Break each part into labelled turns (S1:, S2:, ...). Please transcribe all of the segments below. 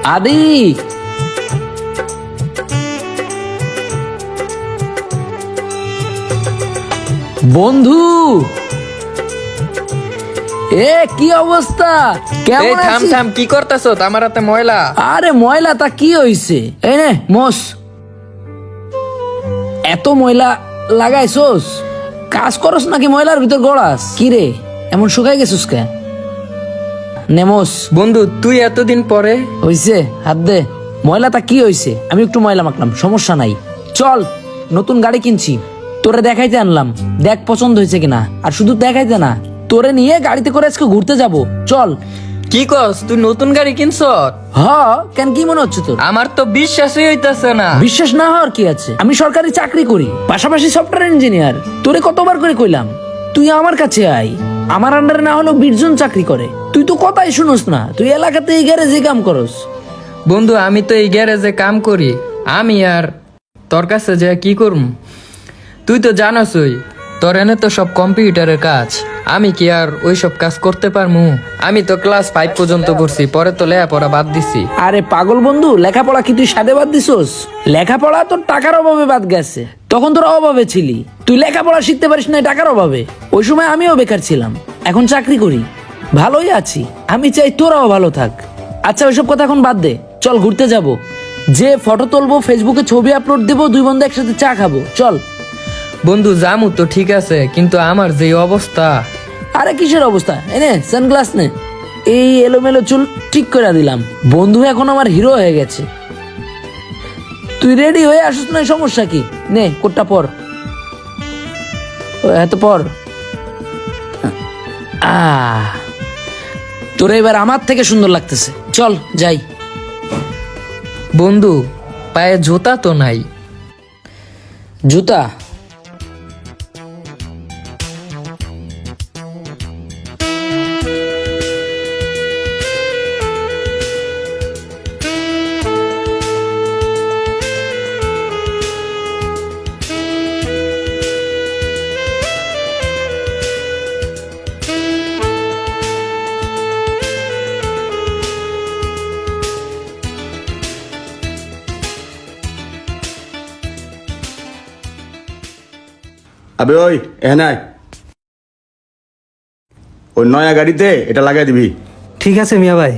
S1: আদি, বন্ধু, কি অবস্থা? কেমন
S2: থাম
S1: আছিস?
S2: থাম, কি করতেছ? আমার হাতে ময়লা।
S1: আরে ময়লা তা কি হইছে? এই নে মোস, এত ময়লা লাগাইছোস? কাজ করস নাকি ময়লার ভিতর গড়াস? কি রে এমন শুকাই গেছিস কে? নেমোস।
S2: বন্ধু, তুই এতদিন পরে?
S1: হইছে, হাত দে। ময়লা তা কি হইছে? আমি একটু ময়লা মাখলাম, সমস্যা নাই। চল, নতুন গাড়ি কিনছি, তোরে দেখাইতে আনলাম, দেখ পছন্দ হয়েছে কিনা। আর শুধু দেখাইতে না, তোরে নিয়ে গাড়িতে করে আজকে ঘুরতে যাব। চল।
S2: কি কস, তুই নতুন গাড়ি কিনছ?
S1: হ, কেন কি মনে হচ্ছে তোর?
S2: আমার তো বিশ্বাসই হইতাছে না।
S1: বিশ্বাস না হওয়ার কি আছে? আমি সরকারি চাকরি করি, পাশাপাশি সফটওয়্যার ইঞ্জিনিয়ার। তোরে কতবার করে কইলাম তুই আমার কাছে আয়, আমার আন্ডারে না হলেও 20 জন চাকরি করে। তুই তো কথাই শুনোস না, তুই এলাকাতে এই গ্যারেজে কাম করস।
S2: বন্ধু, আমি তো এই গ্যারেজে কাম করি, আমি আর তোর কাছে যে কি করুম? তুই তো জানোসই, তোর এনে তো সব কম্পিউটারের কাজ। আমি কি আর ওই সব কাজ করতে পারমু? আমি তো ক্লাস 5 পর্যন্ত করছি, পরে তো লেখাপড়া বাদ দিছি।
S1: আরে পাগল বন্ধু, লেখাপড়া কি তুই সাদে বাদ দিছস? লেখাপড়া তোর টাকার অভাবে বাদ গেছে। তখন তোর অভাবে ছিলি, তুই লেখাপড়া শিখতে পারিস না টাকার অভাবে। ওই সময় আমিও বেকার ছিলাম, এখন চাকরি করি, ভালোই আছি। আমি চাই তোরাও ভালো থাক। আচ্ছা ওইসব কথা এখন বাদ দে, চল ঘুরতে যাব। যে ফটো তুলবো, ফেসবুকে ছবি আপলোড দেবো, দুই বন্ধু একসাথে চা খাবো, চল।
S2: বন্ধু, জামু তো ঠিক আছে, কিন্তু আমার যে অবস্থা।
S1: আরে কিসের অবস্থা? এনে সানগ্লাস নে, এই এলোমেলো চুল ঠিক করে দিলাম। বন্ধু এখন আমার হিরো হয়ে গেছে। তুই রেডি হয়ে আসিস না, সমস্যা কি? নে কোটটা পর, এত পর। তোর এবার আমার থেকে সুন্দর লাগতেছে, চল যাই।
S2: বন্ধু, পায়ে জুতা তো নাই।
S1: জুতা?
S3: আবে ওই এনাই, ওই নয়া গাড়িতে এটা লাগাই দিবি।
S4: ঠিক আছে মিয়া ভাই।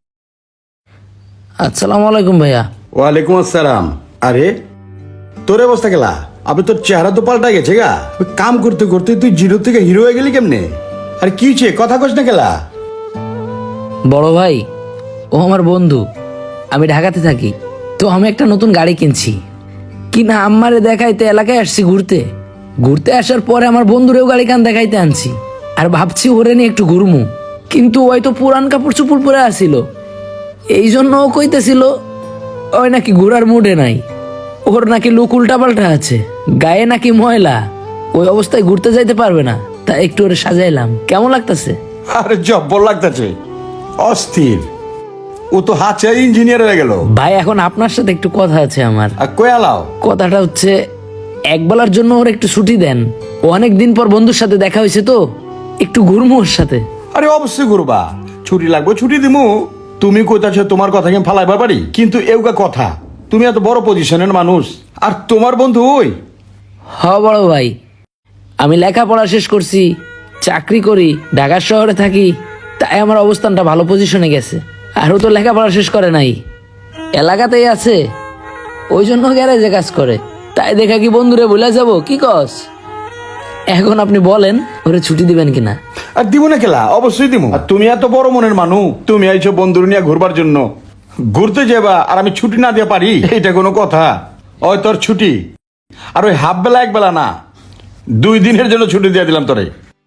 S1: আসসালামু আলাইকুম ভাইয়া।
S3: ওয়ালাইকুম আসসালাম। আরে তোর অবস্থা গেলা? আবে তোর চেহারা তো পাল্টা গেছে গা। ওই কাম করতে করতে তুই জিরো থেকে হিরো হয়ে গেলি কেমনে? আরে কি হয়েছে, কথা কস না গেলা?
S1: বড় ভাই, ও আমার বন্ধু, আমি ঢাকাতে থাকি। তো আমি একটা নতুন গাড়ি কিনছি, কিনা আমারে দেখাইতে এলাকায় আসছি ঘুরতে। ঘুরতে আসার পরে আমার বন্ধুরেও গাড়ি কান দেখাইতে আনছি, আর ভাবছি ওরে নিয়ে একটু ঘুরমু। কিন্তু ওই তো পুরান কাপড় চুপড় পরে আসিল, এই জন্য ও কইতেছিল ওই নাকি ঘোরার মুডে নাই, ওর নাকি লুক উল্টা পাল্টা আছে, গায়ে নাকি ময়লা, ওই অবস্থায় ঘুরতে যাইতে পারবে না। তাই একটু ওরে সাজাইলাম। কেমন লাগতেছে?
S3: আরে জব্বর লাগতেছে, অস্থির। ও তো হাতে ইঞ্জিনিয়ার হয়ে গেল।
S1: ভাই এখন আপনার সাথে একটু কথা আছে আমার।
S3: আর কই আলাও?
S1: কথাটা হচ্ছে, একবেলার জন্য ওর একটু ছুটি দেন। ও অনেক দিন পর বন্ধুর সাথে দেখা হয়েছে, তো একটু ঘুরমু ওর সাথে।
S3: আরে অবশ্যই করবা, ছুটি লাগবে, ছুটি দিমু। তুমি কইতাছো তোমার কথা কেন ফালাইবার পারি? কিন্তু এউকা কথা, তুমি এত বড় পজিশনের মানুষ, আর তোমার বন্ধু ওই।
S1: হ বড় ভাই, আমি লেখাপড়া শেষ করছি, চাকরি করি, ঢাকা শহরে থাকি, তাই আমার অবস্থানটা ভালো পজিশনে গেছে। আর ও তো লেখাপড়া শেষ করে নাই, এলাকাতেই আছে, ওই জন্য গ্যারেজে কাজ করে। তাই দেখা কি বন্ধুরে ভুলে যাব? কি কস? এখন আপনি বলেন ওরে ছুটি দিবেন কিনা?
S3: আর দিব না খেলা, অবশ্যই দিব। আর তুমি এত বড় মনের মানুষ, তুমি আইছো বন্ধুর নিয়ে ঘুরবার জন্য, ঘুরতে যাবা আর আমি ছুটি না দিয়ে পারি? এটা কোনো কথা? ওই তোর ছুটি, আর ওই হাফ বেলা এক বেলা না, 2 দিনের জন্য ছুটি দিয়ে দিলাম তোরে।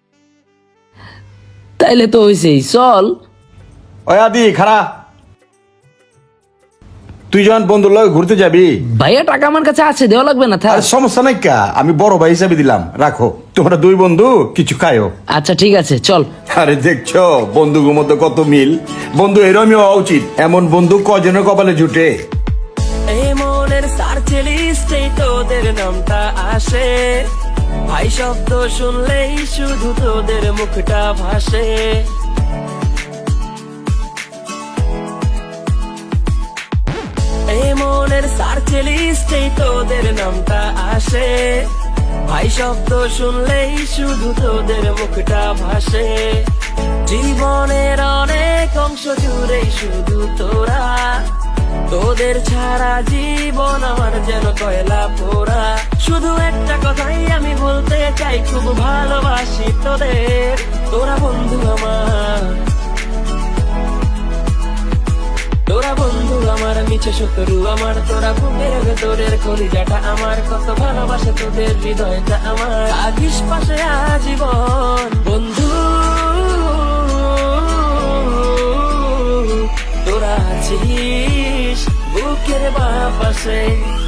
S1: তাইলে তো হয়েছেই, চল।
S3: ওই আদি খারা, তুই যখন বন্ধুর লগে ঘুরতে যাবি।
S1: ভাইয়া টাকা আমার কাছে আছে, দেওয়া লাগবে না, থাক।
S3: আর সমস্যা নাই কা, আমি বড় ভাই হিসাবে দিলাম, রাখো। তোমরা 2 বন্ধু কিছু খায়ও।
S1: আচ্ছা ঠিক আছে, চল।
S3: আরে দেখছো বন্ধুর মধ্যে কত মিল। বন্ধু এরমই হওয়া উচিত, এমন বন্ধু কজনের কপালে জুটে।
S5: এই মনের সার্চ লিস্টে তোদের নামটা আসে, ভাই শব্দ শুনলেই শুধু তোদের মুখটা ভাসে। মনের সার্চ লিস্টেই তোদের নামটা আসে, ভাই শব্দ শুনলেই শুধু তোদের মুখটা ভাসে। জীবনের অনেক অংশ জুড়েই শুধু তোরা, তোদের ছাড়া জীবন আমার যেন কয়লা পোড়া। শুধু একটা কথাই আমি বলতে চাই, খুব ভালোবাসি তোদের, তোরা বন্ধু আমার, তোরা বন্ধু আমার, মিছে শত্রু আমার, তোরা বুকের ভেতরের কলিজাটা আমার, কত ভালোবাসে তোদের হৃদয়টা আমার, থাকিস পাশে আজীবন বন্ধু, তোরা আছিস বুকের বাঁ পাশে।